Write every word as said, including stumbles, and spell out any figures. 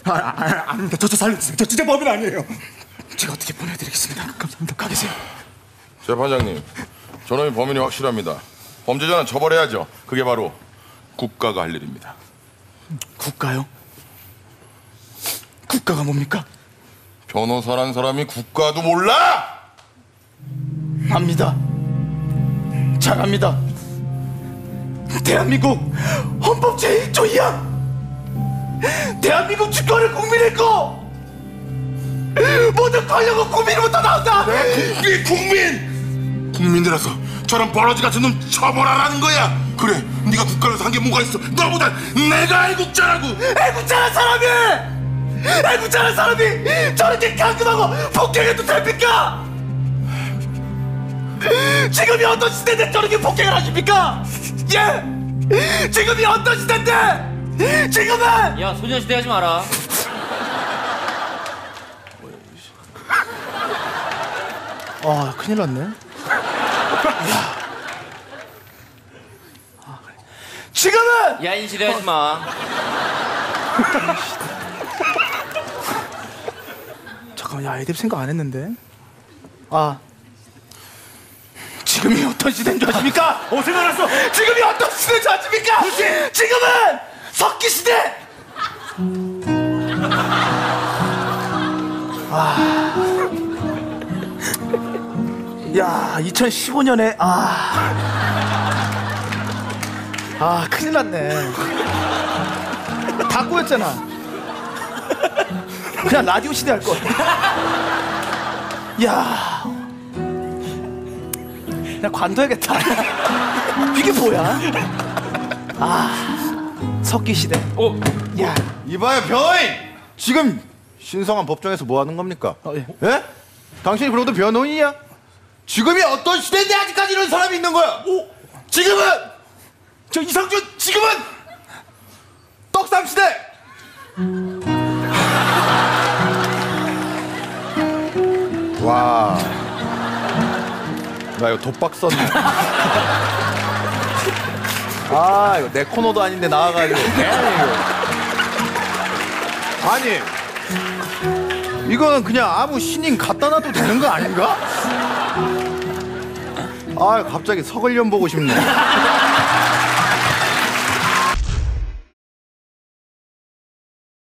아, 아, 아닙니다. 저, 저 살려주세요. 저 진짜 범인 아니에요. 제가 어떻게 보내드리겠습니다. 감사합니다. 가 계세요. 재판장님, 저놈이 범인이 확실합니다. 범죄자는 처벌해야죠. 그게 바로 국가가 할 일입니다. 국가요? 국가가 뭡니까? 변호사란 사람이 국가도 몰라? 압니다. 잘 압니다. 대한민국 헌법 제일 조 이 항 대한민국 주권은 국민의 거 모든 권력은 국민으로부터 나온다. 국민, 국민! 국민들아서 저런 버러지 같은 놈 처벌하라는 거야. 그래, 네가 국가를 산 게 뭐가 있어. 너보다 내가 애국자라고. 애국자란 사람이 애국자란 사람이 저렇게 강금하고 폭행해도 됩니까? 지금이 어떤 시대인데 저렇게 폭행을 하십니까? 예? 지금이 어떤 시대인데 지금은 야, 소녀시대 하지 마라. 아, 큰일 났네. 아, 그래. 지금은 야인시대 하지 마. 잠깐만, 야, 애들 생각 안 했는데. 아, 지금이 어떤 시대인 줄 아십니까? 어, 생각났어. 지금이 어떤 시대인 줄 아십니까? 그렇지. 지금은 석기 시대. 아, 야, 이천십오 년에 아, 아, 큰일 났네. 다 꼬였잖아. 그냥 라디오 시대 할 걸. 야, 그냥 관둬야겠다. 이게 뭐야? 아, 석기 시대. 어, 야, 이봐요, 변호인! 지금 신성한 법정에서 뭐 하는 겁니까? 어, 예. 예? 당신이 그러고도 변호인이야? 지금이 어떤 시대인데 아직까지 이런 사람이 있는 거야? 오, 지금은! 저 이상준, 지금은! 떡삼 시대! 와, 나 이거 독박 썼네. 아, 이거 내 코너도 아닌데 나와가지고. 아니, 이거는 그냥 아무 신인 갖다 놔도 되는 거 아닌가? 아, 갑자기 서글련 보고 싶네.